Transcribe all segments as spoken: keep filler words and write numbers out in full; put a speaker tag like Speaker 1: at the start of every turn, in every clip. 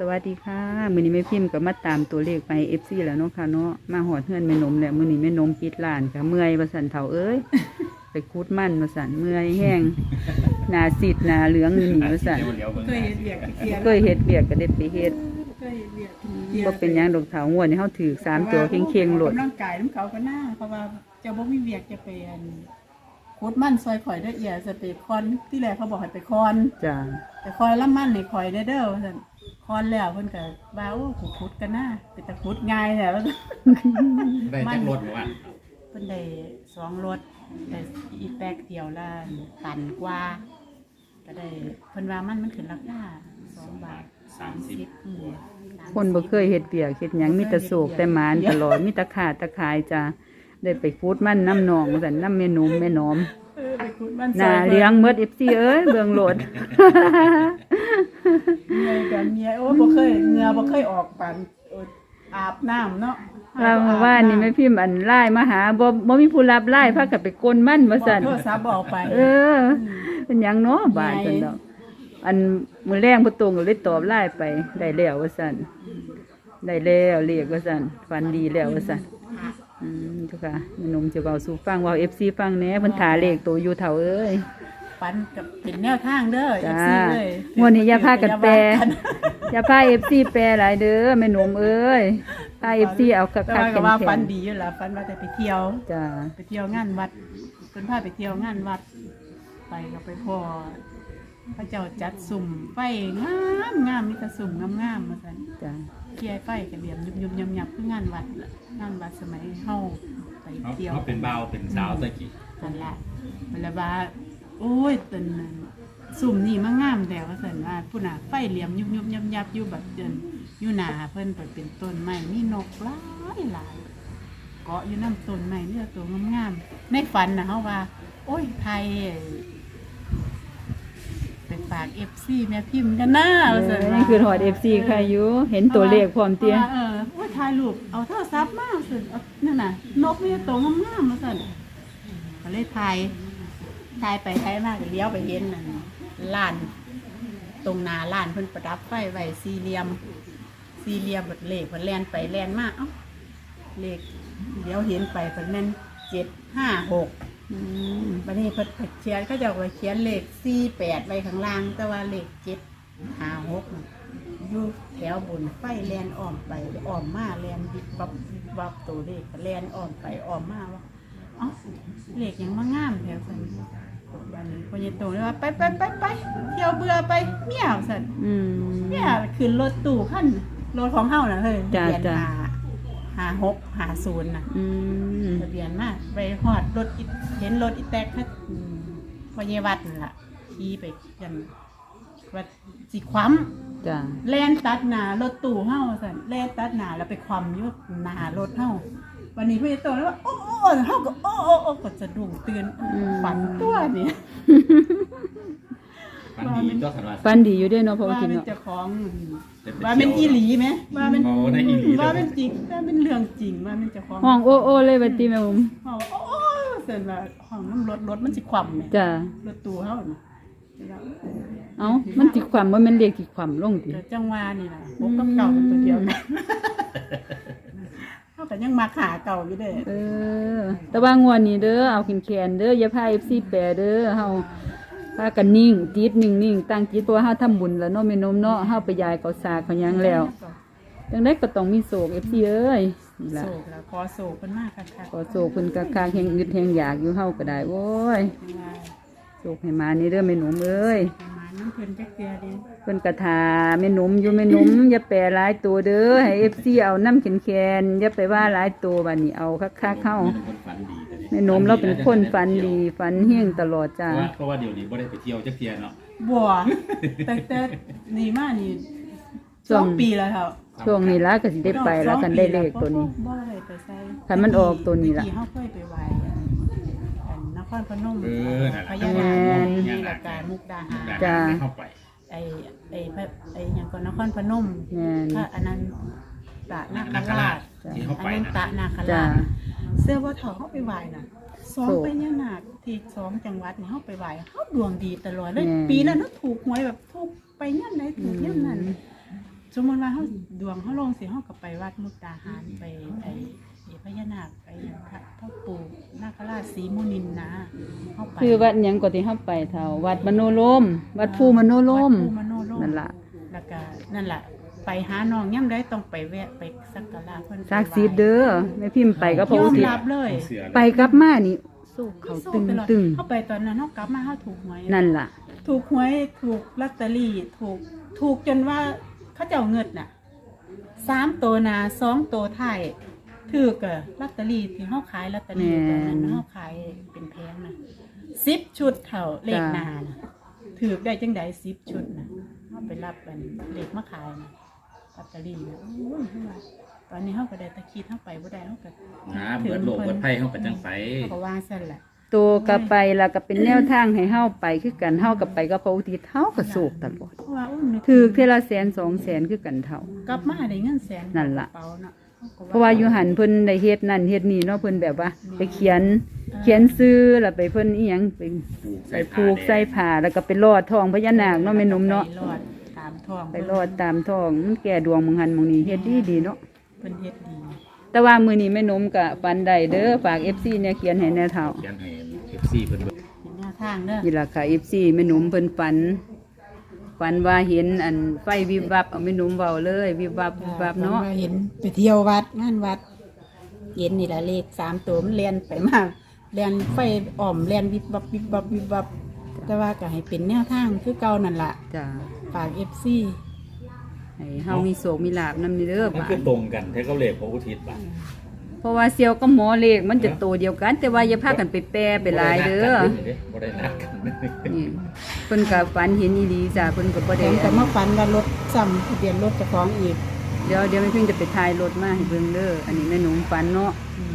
Speaker 1: วัสดีค่ะมื้อนี้แม่พิมพ์ก็มาตามตัวเลขไป เอฟ ซี แล้วเนาะค่ะเนาะมาหอดเฮือนแม่นมแล้วมื้อนี้แม่นมปิดร้านค่ะเมื่อยว่าซั่นเฒ่าเอ้ย ไปคูดมันว่าซั่นเมื่อยแห้งหน้าซีดหน้าเหลืองอยู่นี่ว่าซั่น
Speaker 2: เคยเห็นเบียกเกียร์
Speaker 1: เคยเฮ็ดเวียกก็ได้ไปเฮ็ด
Speaker 2: เคยเห็นเบียก
Speaker 1: บ่เป็นหยังดอกเฒ่างวดนี้เฮาถือสามตัวเค็งๆโลด
Speaker 2: กำลังกายน้ำเขาก็น่าเพราะว่าเจ้าบ่มีเบียกจะเป็นโคตรมั่นซอยข่อยได้เอียจะไปคอนที่แรกเขาบอกให้ไปคอน
Speaker 1: จ้า
Speaker 2: ไปคอยละมั่นให้ข่อยได้เด้อว่าซั่นคอนแล้วเพิ่นก็ว่าโอ้ขุดขุดกันน่าเป็นตะขุดง่ายแท้ว่าซั่น
Speaker 3: ได้จักรถหรือว่า
Speaker 2: เพิ่นได้สองรถแต่อีแป๊กเดียวละตันกว่าก็ได้เพิ่นว่ามันมันขึ้นราคาสองบาทสามสิบอืม
Speaker 1: คนบ่เคยเฮ็ดเวียกเฮ็ดหยังมีแต่โศกแต่หมานตลอดมีแต่ขาดแต่ขายจ้าได้ไปคูดมันน้ำหนองว่าซั่นน้ำแม่นมแม่น้อม
Speaker 2: เออไปขุดมัน
Speaker 1: หน้าเลี้ยงเมด เอฟ ซี เอ้ยเบิ่งโหลด
Speaker 2: เมียกันเมียโอ้บ่เคยเหงื่อบ่เคยออกปานโอ้อาบน้ำเนาะ
Speaker 1: เราว่านี่แม่พิมพ์อันไล่มาหาบ่บ่มีผู้รับไล่พากันไปกลนมันว่าซั่น
Speaker 2: โทรศัพท์บอกไป
Speaker 1: เออเป็นหยังเนาะบาดซั่นดอกอันมื้อแรงบ่ตรงก็เลยตอบไล่ไปได้แล้วว่าซั่นได้แล้วเรียกว่าซั่นฝันดีแล้วว่าซั่นอืมเจ้าค่ะแม่นมจะเว้าสู่ฟังเว้า เอฟ ซี ฟังแหน่เพิ่นท่าเลขตัวอยู่เฒ่าเอ้ย
Speaker 2: ปันกับเป็นแนวทางเด้อ
Speaker 1: จ้า
Speaker 2: เอฟ ซี เลย
Speaker 1: งวดนี้อย่าพากันแปร
Speaker 2: อย่าว่ากัน
Speaker 1: อย่าพา เอฟ ซี แปรหลายเด้อแม่นมเอ้ยพา เอฟ ซี เอาคั
Speaker 2: แต่
Speaker 1: ก
Speaker 2: ว่า
Speaker 1: ๆ
Speaker 2: ก็ว่า
Speaker 1: แข็
Speaker 2: ฟั
Speaker 1: ง
Speaker 2: นดีอยู่ล่ะฟันว่าแต่ไปเที่ยว
Speaker 1: ๆจ้า
Speaker 2: ไปเที่ยวงานวัดเพิ่นพาไปเที่ยวงานวัด ไปก็ไปพ่อพระเจ้าจัดสุ่มไฟงามงามมีแต่สุ่มงามๆว่าซั่น
Speaker 1: จ้า
Speaker 2: เคียไฟก็เหลี่ยมยุบๆยับๆคืองานวัดล่ะงานวัดสมัยเฮาไป
Speaker 3: เขา
Speaker 2: เที่ยว
Speaker 3: เขาเป็นเบาวเป็นสาวตะกี้
Speaker 2: นั่นแหละมันละว่าโอ้ยตนนั้นสุ่มนี่มางามแต่ว่าสันว่าผู้น่ะไฟเหลี่ยมยุบยุบยับยับอยู่แบบเดินอยู่หนาเพิ่นเปิดเป็นต้นไม้มีนกหลายหลายเกาะอยู่น้ำต้นไม้นี่ตัวงามๆในฝันนะเขาว่า โอ้ยไทยไปฝากเอฟซีแม่พิมพ์กันนะว่าซั่นว่า
Speaker 1: นี่คือถอด เอฟ ซี ใครอยู่เห็นตัวเลขพร้อมเตี้ย
Speaker 2: เออโอ้ยถ่ายรูปเอาโทรศัพท์มาสิเอานั่นน่ะนกมีตัวงามๆมาสั่นก็เลยถ่ายถ่ายไปถ่ายมาก็เลี้ยวไปเห็นนั่นลาน ตรงหน้าลานเพิ่นประดับไฟไว้สี่เหลี่ยมสี่เหลี่ยมบัดเลขเพิ่นแล่นไปแล่นมาเอ้าเลขเดี๋ยวเห็นไปเพิ่นแม่นเจ็ดห้าหก
Speaker 1: อืม
Speaker 2: บัดนี้เพิ่นเขียนเขาจะเอาไว้เขียนเลขสี่แปดไว้ข้างล่าง แต่ว่าเลขเจ็ดห้าหกอยู่แถวบนไฟแลนอ้อมไปอ้อมมาแลนวิบวับวิบวับตัวเลขก็แลนอ้อมไปอ้อมมาว่าเอ้าเลขยังมางามแถวสันบัดนี้พ่อใหญ่โตเลยว่าไปไปไปไปเที่ยวเบื่อไปเมี่ยวสัน
Speaker 1: อืม
Speaker 2: เมี่ยขึ้นรถตู้ขั้นรถของเฮาน่ะเฮ้ย
Speaker 1: จ้ะ
Speaker 2: ทะเบียน
Speaker 1: จ้ะ
Speaker 2: หาหาหกหาศูนย์น่ะ
Speaker 1: อืม
Speaker 2: ทะเบียนมาไปฮอดรถอีเห็นรถอีแตกค่ะอืมพ่อใหญ่วัดนั่นล่ะขี่ไปกันวัดสิคว้ำ
Speaker 1: จ้า
Speaker 2: แล่นตัดหน้ารถตู้เฮาสั่นแล่นตัดหน้าแล้วไปคว่ำอยู่หน้ารถเฮาวันนี้เพิ่นจะโตแล้วว่าโอ้โอ้เฮาก็โอ้โอ้โอ้ก็สะดุ้งตื่นฝันตัวนี่
Speaker 3: ฟันดีตัวขันว่า
Speaker 1: ฟันดีอยู่เด้เนาะเพราะว่า
Speaker 2: ว่า
Speaker 1: กิน
Speaker 2: เป็น
Speaker 1: เนาะ
Speaker 2: เจ้าของ
Speaker 3: จะไป
Speaker 2: ว่าเป็นอีหลีไหมว่าเป็น
Speaker 3: โอ้ได้อีหลีเลย
Speaker 2: ว่าเป็นจริงว่าเป็นเรื่องจริงว่าเป็นเจ้าของ
Speaker 1: ห้องโอ้โอ้เลยบัดนี้แม่ผม
Speaker 2: ห้องโอ้โอ้สั่นว่าห้องน้ำรถรถมันสิคว่ำแหม
Speaker 1: จ้าร
Speaker 2: ถตู้เฮานี่
Speaker 1: เอ้ามันสิความบ่แม่นเลขสิความลงติ
Speaker 2: เดี๋ยวจังหวะนี่ล่ะพบกับเก่าเป็นตัวเดียวกันเฮาก็ยังมาขาเก่าอยู่เด้อ
Speaker 1: เออ แต่ว่างวดนี้เด้อเอาแขนๆเด้ออย่าพา เอฟ ซี แปรเด้อเฮาพากันนิ่งจิตนิ่งๆตั้งจิตเพราะว่าเฮาทำบุญแล้วเนาะแม่นมเนาะเฮาไปยายเขาสากเขาหยังแล้วจังได๋ก็ต้องมีโศก เอฟ ซี เอ้ยนี่ล่ะ
Speaker 2: โศกแล้วขอโศกเพิ่นมากค่ะค่ะ
Speaker 1: ขอโศกเพิ่นกะคางแห่งอึดแห่งอยากอยู่เฮาก็ได้โว้ยโศกให้มานี่เด้อแม่นมเอ้ย
Speaker 2: มาน้ำเพิ่นจักเทื่อเด้
Speaker 1: เพิ่นกะทาแม่นมอยู่แม่นม อย่าแปรหลายตัวเด้อให้ เอฟ ซี เอาน้ำแคนๆอย่าไปว่าหลายตัวบัดนี้เอาคักๆเฮา
Speaker 3: เป็นคนฝันดีแต่
Speaker 1: แม่นมเราเป็นคนฝันดีฝันเฮี้ยงตลอด
Speaker 3: เพ
Speaker 1: จ้า
Speaker 3: ราะว่าเพราะว่าเดี๋ยวนี้บ่ได้ไปเที่ยวจักเที่ยเนาะ
Speaker 2: บัวแต่แต่นี่มานี่สองปีแล้วครับ
Speaker 1: ช่วงนี้ละก็สิได้ไปแล้วกันได้เลขตัวนี้
Speaker 2: บ่ได้ไปใส่
Speaker 1: คันมันออกตัวนี้ล่ะ
Speaker 2: เมื่อกี้เฮาเคยไปไหว้อันนครพนม
Speaker 3: เออนั่น
Speaker 2: พ
Speaker 3: แหละ
Speaker 2: ญานาค
Speaker 1: แม่น
Speaker 2: นี่ละกามุกดาหาร
Speaker 1: จ้ะ
Speaker 3: เข้าไป
Speaker 2: ไอ้ไอ้พระไอ้หยังก็นครพนม
Speaker 1: แม่น
Speaker 2: พระอนันตนาค
Speaker 3: นาค
Speaker 2: รา
Speaker 3: รา
Speaker 2: ช
Speaker 3: ชที่เข้า
Speaker 2: อ
Speaker 3: ไป
Speaker 2: นันต
Speaker 3: นะ
Speaker 2: นาค
Speaker 1: จ้า
Speaker 2: ราชเสื้อว่าเถาเฮาไปไหว้น่ะสอง
Speaker 1: โศก
Speaker 2: พญานาคที่สองจังหวัดนี่เฮาไปไหว้เฮาดวงดีตลอดเลย
Speaker 1: แม่น
Speaker 2: ปีนั้นเฮาถูกหวยแบบถูกไปย่ํไหนถูกย่ํนั้นสมมติว่าเขาดวงเขาลงสิเขาก็ไปวัดมุกดาหารไปไอ้ไอ้พญานาคไปพระพ่อปู่นาคราชศรีมุนินนะเขาไป
Speaker 1: คือวัดหยังก็ที่เฮาไปเท่าวัดมโนโลม วัดภูมโนโลม
Speaker 2: วัดภูมโนโลม
Speaker 1: นั่นล่ะ
Speaker 2: แล้วก็นั่นล่ะไปหาน้องย่ำได้ต้องไปแวะไปสักการะเพิ่น
Speaker 1: ศักดิ์สิทธิ์เด้อแม่พิมพ์ไปกับพระ
Speaker 2: ย
Speaker 1: อุ
Speaker 2: อม
Speaker 1: ทิศ
Speaker 2: รับเลย
Speaker 3: เสือเลย
Speaker 1: ไปกลับมานี่สู้เขาตึงตึง
Speaker 2: เขาไปตอนนั้นเขากลับมาเขาถูกหวย
Speaker 1: นั่นล่ะ
Speaker 2: ถูกหวยถูกลอตเตอรี่ถูกถูกจนว่าเขาเจ้าเงินน่ะสามตัวหนาสองตัวไทายถือกะลอตเตอรี่ที่เขาขายลอตเตอรี่ตอนนั้นเขาขายเป็นแพงนะสิบชุดเท่าเลขหนานะถือได้จังไดสิบชุดนะเขาไปรับกันเลขมาขายนะลอตเตอรี่นะโอ้ยว่าตอนนี้เขาก็ได้ตะคิดเขาไปบ่ได้เขาก็
Speaker 3: นะเบิดโลกเบิดไพ่เฮาก็จังไป
Speaker 2: เขาก็ว่าซั่นแหละ
Speaker 1: ตัวก็ไปแล้วก็เป็นแนวทางให้เฮาไปคือกันเฮาก็ไปกับพระอุทิศเฮาก็โศกตลอด
Speaker 2: เพราะว่าอุ้ยนึก
Speaker 1: ถือเทอละแสนสองแสนคือกันเท่า
Speaker 2: กลับมาได้เงินแสน
Speaker 1: นั่นล่ะ
Speaker 2: กรเป๋าเนาะขก็
Speaker 1: เพราะว่าอยู่หันเพิ่นได้เฮ็ดนั่นเฮ็ดนี่เนาะเพิ่นแบบว่า ไปเขียนเขียนซื้อแล้วไปเพิ่นอีหยังไปไปผูกใส่ผ้าแล้วก็ไปลอดทองพญานาคเนาะแม่นมเนาะ
Speaker 2: ไปรอดตามท้อง
Speaker 1: ไปลอดตามทองมันแก่ดวงมึงหันมึงนี่เฮ็ดดีดีเนาะ
Speaker 2: เพิ่นเฮ็ดดี
Speaker 1: แต่ว่ามื้อนี้แม่นมก็ปันได้เด้อฝาก เอฟ ซี เนี่ยเขียนให้แน่เท่า
Speaker 3: เขียนให้ เอฟ ซี เพิ่นเบิ่ง
Speaker 2: เป็นแนวทางเด้อ
Speaker 1: นี่ล่ะค่ะ เอฟ ซี แม่นมเพิ่นฝันฝันว่าเห็นอันไฟวิบวับเอาแม่นมเว้าเลยวิบวับวิบวับเนาะ
Speaker 2: เห็นไปเที่ยววัดงานวัด เห็นนี่ละเลขสามตัวมันเลียนไปมาเลียนไฟอ่อมเลียนวิบวับวิบวับวิบวับแต่ว่าก็ให้เป็นแนวทางคือเก่านั่นล่ะ
Speaker 1: จ้า
Speaker 2: ฝาก เอฟ ซี
Speaker 1: ให้เฮามีโศกมีลาภนำนี่เด้อ
Speaker 3: มัน
Speaker 1: บา
Speaker 3: คือ
Speaker 1: ด
Speaker 3: ตรงกันเท่ากับเลขพระอุทิศบ่ะ
Speaker 1: เพราะว่าเซียวกับหมอเลขมันจะโตเดียวกัน แต่ว่าอย่าพากันไปแปรไปหลายเด้อ
Speaker 3: บ่ได้นัดกันเด้อ
Speaker 1: นี่เพิ่นก็ฝันเห็นอีหลีจ้าเพิ่นก็บ่
Speaker 2: ผ
Speaker 1: ได้
Speaker 2: มก็มาฝันว่ารถซ้ำทะเบียนรถเจ้าของอีก
Speaker 1: เดี๋ยวเดี๋ยวแม่เพิ่งจะไปถ่ายรถมาให้เบิ่งเด้ออันนี้แม่หนุ่มฝันเนาะ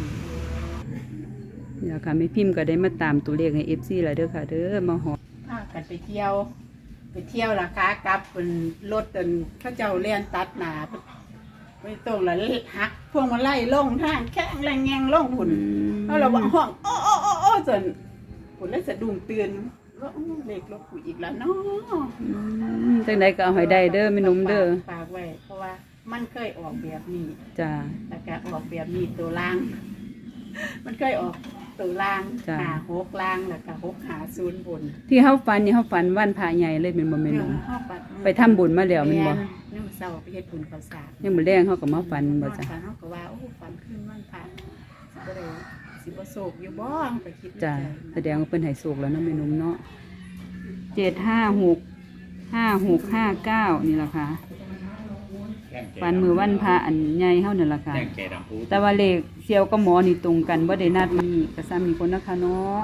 Speaker 1: นี่ล่ะค่ะแม่พิมพ์ก็ได้มาตามตัวเลขให้ เอฟ ซี แล้วเด้อค่ะเด้อมาหอ
Speaker 2: พากันไปเที่ยว ไปเที่ยวราคากลับเป็นรถจนเขาเจ้าเลียนตัดหนาไปตรงแล้วหักพวงมาไล่ล่งทางแข้งแรงแงงล่งผุนแล้วเราบอกห้องโอ้โอ้โอ้โอ้จนผุนแล้วสะดุ้งเตือนว่าอู้เล็กรถกูอีกแล้วเนาะ
Speaker 1: อืมจังใดก็เอาให้ได้เด้อแม่หนุ่มเด้อ
Speaker 2: ฝากไว้เพราะว่ามันเคยออกแบบนี้
Speaker 1: จ้า
Speaker 2: แล้วก็ออกแบบนี้ตัวล่าง มันเคยออกตัวล่าง
Speaker 1: จ้ะ
Speaker 2: หาหกล่างแล้วก็หกหาศูนย์บน
Speaker 1: ที่เฮาฝันนี่เฮาฝันวันพระใหญ่เลยเป็นบ่แม่นบ่
Speaker 2: เข้าปัด
Speaker 1: ไปทำบุญมาแล้วแม่นบ่
Speaker 2: นี่มันเศร้าไปเฮ็ดบุญข้าวสาร
Speaker 1: ยังมื้อแรงเฮาก็มาฝันบ่จ้ะ
Speaker 2: ฝันเขาก็ว่าโอ้ฝันขึ้นวันพระสิบ่ได้สิบ่โศกอยู่บ่ก็คิดใน
Speaker 1: จ้ะ
Speaker 2: ใจ
Speaker 1: แสดงว่าเพิ่นให้โชคแล้วเนาะแม่หนุ่มเนาะเจ็ดห้าหก ห้าหกห้าเก้านี่ล่ะค่ะฝันมื้อวันพระอันใหญ่เฮานั่นล่ะค่ะ
Speaker 3: แจ้งแก่ดำพู
Speaker 1: แต่ว่าเลขเซียวกับหมอนี่ตรงกันบ่ได้นัดมีก็ซ้ำมีคนนะคะเนาะ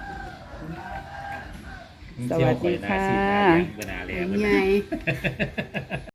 Speaker 1: สวัสดีค่ะ
Speaker 3: เวลาแล้ว
Speaker 2: ใหญ่